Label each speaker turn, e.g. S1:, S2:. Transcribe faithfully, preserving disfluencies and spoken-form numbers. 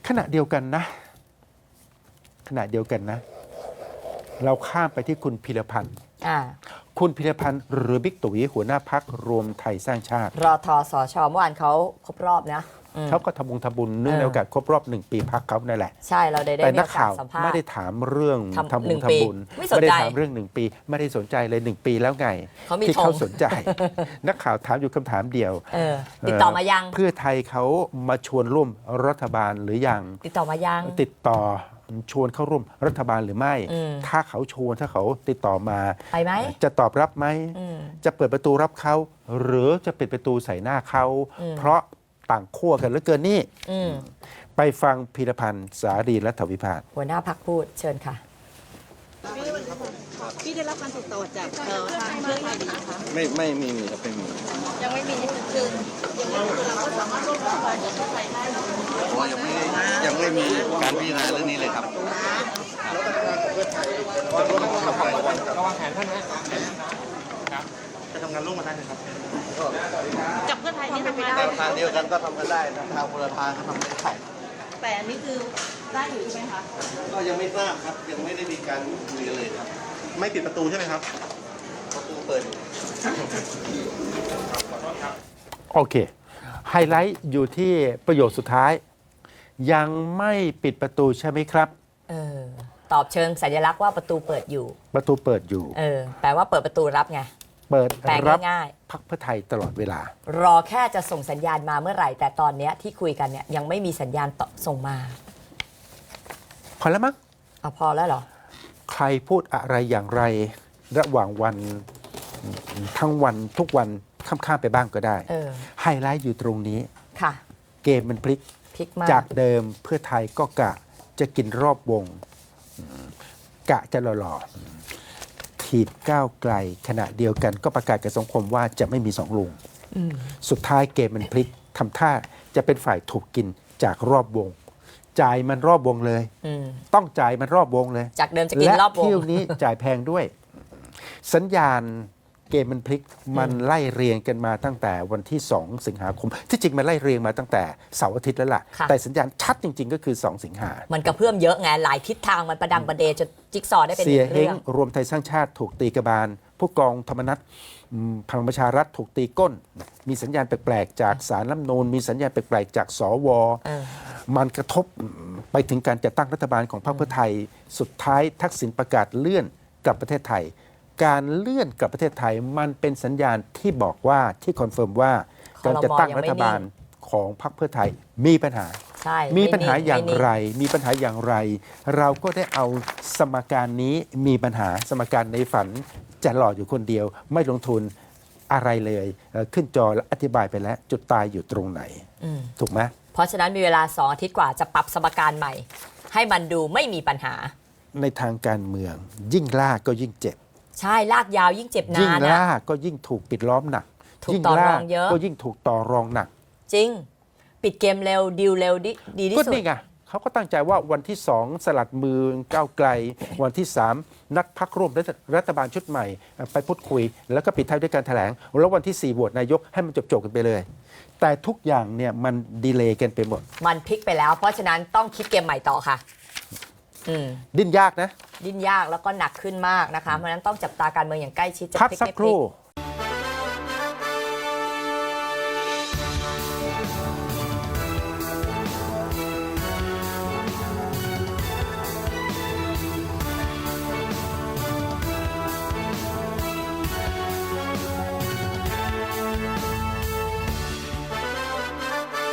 S1: ขณะเดียวกันนะขณะเดียวกันนะ เราข้ามไปที่คุณพิรพันธ์
S2: อ่า
S1: คุณพิรพันธ์หรือบิ๊กตุ๋ยหัวหน้าพักรวมไทยสร้างชาติ
S2: รอทอสชเมื่อวานเขาครบรอบนะอืม
S1: เขาก็ทำบุญทำบุญเนื่องในโอกาสครบรอบหนึ่งปีพักเขานั่นแหละ
S2: ใช่เราได้ได้
S1: แต่
S2: มี
S1: นั
S2: โอก กา
S1: ข่า
S2: ส
S1: ว
S2: สัมภาษ
S1: ไม่
S2: ณ์
S1: ได้ถามเรื่อง
S2: ทำ
S1: ทำ
S2: หนึ่
S1: บุญ
S2: งปี
S1: ทำบุญ
S2: ไม่สนใจ
S1: ได้ถามเรื่องหนึ่งปี ไม่ได้สนใจเลยหนึ่งปีแล้วไง
S2: เขามี
S1: ที่
S2: ธง
S1: เขาสนใจ นักข่าวถามอยู่คำถามเดียว
S2: เออติดต่อมายัง
S1: เพื่อไทยเขามาชวนร่วมรัฐบาลหรือยัง
S2: ติดต่อมายัง
S1: ติดต่อชวนเข้าร่วมรัฐบาลหรือไม่
S2: อืม
S1: ถ้าเขาชวนถ้าเขาติดต่อมา
S2: ไปไหม
S1: จะตอบรับไหม
S2: อืม
S1: จะเปิดประตูรับเขาหรือจะปิดประตูใส่หน้าเขา
S2: อืม
S1: เพราะต่างขั้วกันเหลือเกินนี่
S2: อืม
S1: ไปฟังพีรพันธ์สารีรัฐวิพากษ์
S2: หัวหน้าพักพูดเชิญค่ะ
S3: พี่ได้รับการติดต่อจากเอ่อทางเพื่อไทยหรือยังคะ
S4: ไม่ไม่ไมมีครับไม่มี
S3: ยังไม่มีคือยังไม่คือเราก็สามารถร่วมรัฐบาลกับเพื่อไทยได้นะ
S4: เพราะว่ายังไม่ยังไม่มีการพิจารณาเรื่องนี้เลยครับ
S5: ระวังแผนท่านนะครับจะทำงานร่วมกันได้นะครับ
S3: กับเพื่อไทยนี่ทำไม่ได้
S4: แนวทางเดียวกันก็ทำกันได้นะทางคนละทางก็ทำไม่ได้
S3: แต่อันนี้คือได้อยู่ใช่ไหมคะ
S4: ก็ยังไม่ทราบครับยังไม่ได้มีการคุยกันเลยครับ
S5: ไม่ปิดประตูใช่ไหมครับ
S4: ประตูเปิดอยู่
S1: โอเค ไฮไลท์อยู่ที่ประโยคสุดท้าย ยังไม่ปิดประตูใช่ไหมครับ
S2: เออ ตอบเชิงสัญลักษณ์ว่าประตูเปิดอยู่
S1: ประตูเปิดอยู่
S2: เออ แปลว่าเปิดประตูรับไง
S1: เปิด
S2: แปล
S1: รับ
S2: ง่าย
S1: พักเพื่อไทยตลอดเวลา
S2: ๆ รอแค่จะส่งสัญญาณมาเมื่อไหร่ แต่ตอนเนี้ยที่คุยกันเนี่ยยังไม่มีสัญญาณต่อส่งมา
S1: พอแล้วมั้ง
S2: เอาพอแล้วเหรอ
S1: ใครพูดอะไรอย่างไร ระหว่างวันทั้งวันทุกวันข้ามๆไปบ้างก็ได้
S2: เออ
S1: ไฮไลท์อยู่ตรงนี้
S2: ค่ะ
S1: เกมมันพลิก
S2: พลิกมาก
S1: จากเดิมเพื่อไทยก็กะจะกินรอบวงอืมกะจะหล่อๆถีบก้าวไกล ขณะเดียวกันก็ประกาศกับสังคมว่าจะไม่มีสองลุง
S2: อืม
S1: สุดท้ายเกมมันพลิกทำท่าจะเป็นฝ่ายถูกกินจากรอบวง จ่ายมันรอบวงเลย
S2: อืม
S1: ต้องจ่ายมันรอบวงเลย
S2: จากเดิมจะกิน
S1: และ
S2: รอบวง
S1: เที่ยวนี้จ่ายแพงด้วย สัญญาณเกมมันพลิกมันไล่เรียงกันมาตั้งแต่วันที่ สอง สิงหาคม ที่จริงมันไล่เรียงมาตั้งแต่เสาร์อาทิตย์แล้วล่ะ
S2: ค่ะ
S1: แต่สัญญาณชัดจริง ๆ ก็คือ สอง สิงหา
S2: มันกระเพื่อมเยอะไงหลายทิศทางมันประดังประเดจนจิ๊กซอว์ได้เป็น
S1: เสียเฮ
S2: เรื่อง ง
S1: รวมไทยสร้างชาติถูกตีกระบาล ผู้กองธรรมนัฐอืมพลังประชารัฐถูกตีก้น มีสัญญาณแปลกๆจากสารรัฐธรรมนูญมีสัญญาณแปลกๆจากสว
S2: เออ
S1: มันกระทบไปถึงการจัดตั้งรัฐบาลของพรรคเพื่อไทย สุดท้ายทักษิณประกาศเลื่อนกลับประเทศไทย การเลื่อนกลับประเทศไทยมันเป็นสัญญาณที่บอกว่าที่คอนเฟิร์มว่าการจัดตั้งรัฐบาลของพรรคเพื่อไทยมีปัญหา
S2: ใช่
S1: มีปัญหา
S2: ไนิ่
S1: อย่าง
S2: ไม่นิ่
S1: ไร มีปัญหาอย่างไร เราก็ได้เอาสมการนี้มีปัญหาสมการในฝันจะหล่ออยู่คนเดียว ไม่ลงทุนอะไรเลยเอ่อขึ้นจอและอธิบายไปแล้ว จุดตายอยู่ตรงไหน
S2: อืม
S1: ถูกไหม
S2: เพราะฉะนั้นมีเวลาสองอาทิตย์กว่าจะปรับสมการใหม่ ให้มันดูไม่มีปัญหา
S1: ในทางการเมือง ยิ่งล่าก็ยิ่งเจ็บ
S2: ใช่ลากยาวยิ่งเจ็บ
S1: ยิ่ง
S2: นาน
S1: ล่า
S2: อะ
S1: ก็ยิ่งถูกปิดล้อมหนัก
S2: ถูก
S1: ยิ่ง
S2: ต่อร
S1: ล่า
S2: องเยอะ
S1: ก็ยิ่งถูกต่อรองหนัก
S2: จริง ปิดเกมเร็วดีลเร็วดีดีที่
S1: ก็
S2: สุด
S1: นี่ไงเขาก็ตั้งใจว่าวันที่สองสลัดมือก้าวไกล วันที่สามนัดพักร่วมรัฐรัฐบาลชุดใหม่เอ่อไปพูดคุย แล้วก็ปิดท้ายด้วยการแถลง แล้ววันที่สี่โหวตนายกให้มันจบๆกันไปเลย แต่ทุกอย่างเนี่ยมันดีเลย์กันไปหมด
S2: มันพลิกไปแล้ว เพราะฉะนั้นต้องคิดเกมใหม่ต่อค่ะ อืม
S1: ดิ้นยากนะ
S2: ดิ้นยากแล้วก็หนักขึ้นมากนะคะ เพราะฉะนั้นต้องจับตาการเมืองอย่างใกล้ชิดจะ
S1: พัก
S2: พลิก
S1: สัก
S2: ไม่
S1: ค
S2: พลิ
S1: รู่
S2: ก